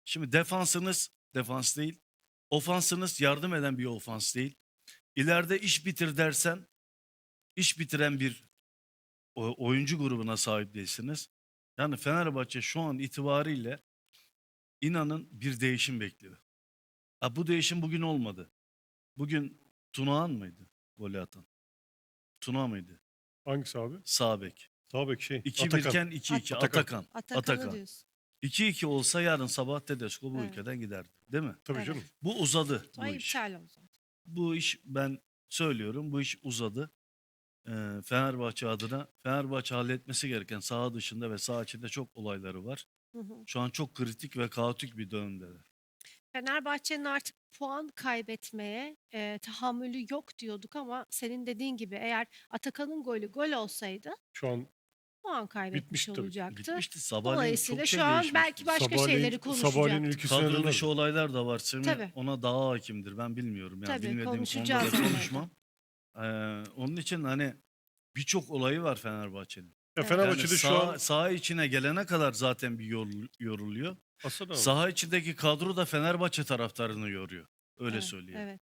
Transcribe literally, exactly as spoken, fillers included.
Şimdi defansınız defans değil. Ofansınız yardım eden bir ofans değil. İleride iş bitir dersen iş bitiren bir o- oyuncu grubuna sahip değilsiniz. Yani Fenerbahçe şu an itibariyle inanın bir değişim bekliyor. Ha, bu değişim bugün olmadı. Bugün Tunağan mıydı golü atan? Tuna mıydı? Hangisi abi? Sağ bek. Sağ bek şey. iki bir Atakan. iken iki iki. Atakan. Atakan. Atakan'ı Atakan. diyorsun. iki iki olsa yarın sabah Tedesco bu Evet. ülkeden giderdi. Değil mi? Tabii Evet. canım. Bu uzadı Sonra bu iş. iptal oldu. Bu iş ben söylüyorum bu iş uzadı. Ee, Fenerbahçe adına Fenerbahçe halletmesi gereken saha dışında ve saha içinde çok olayları var. Hı hı. Şu an çok kritik ve kaotik bir dönemdeler. Fenerbahçe'nin artık puan kaybetmeye e, tahammülü yok diyorduk ama senin dediğin gibi eğer Atakan'ın golü gol olsaydı Şu an puan kaybetmiş Bitmişti tabii. olacaktı. Bitmişti. Sabahleyin Dolayısıyla çok şey şu an değişmişti. belki başka sabahleyin, şeyleri sabahleyin konuşacaktık. ülkesine Kadro dönerdi. dışı olaylar da var. Semih Tabii. ona daha hakimdir. Ben bilmiyorum. Yani Tabii, bilmediğim konuşacağız konuda da onları da. konuşmam. Ee, onun için hani birçok olayı var Fenerbahçe'nin. Ya Evet. Fenerbahçe'de Yani şu saha, an saha içine gelene kadar zaten bir yorul- yoruluyor. aslında Saha içindeki kadro da Fenerbahçe taraftarını yoruyor. Öyle Evet, söyleyeyim. evet.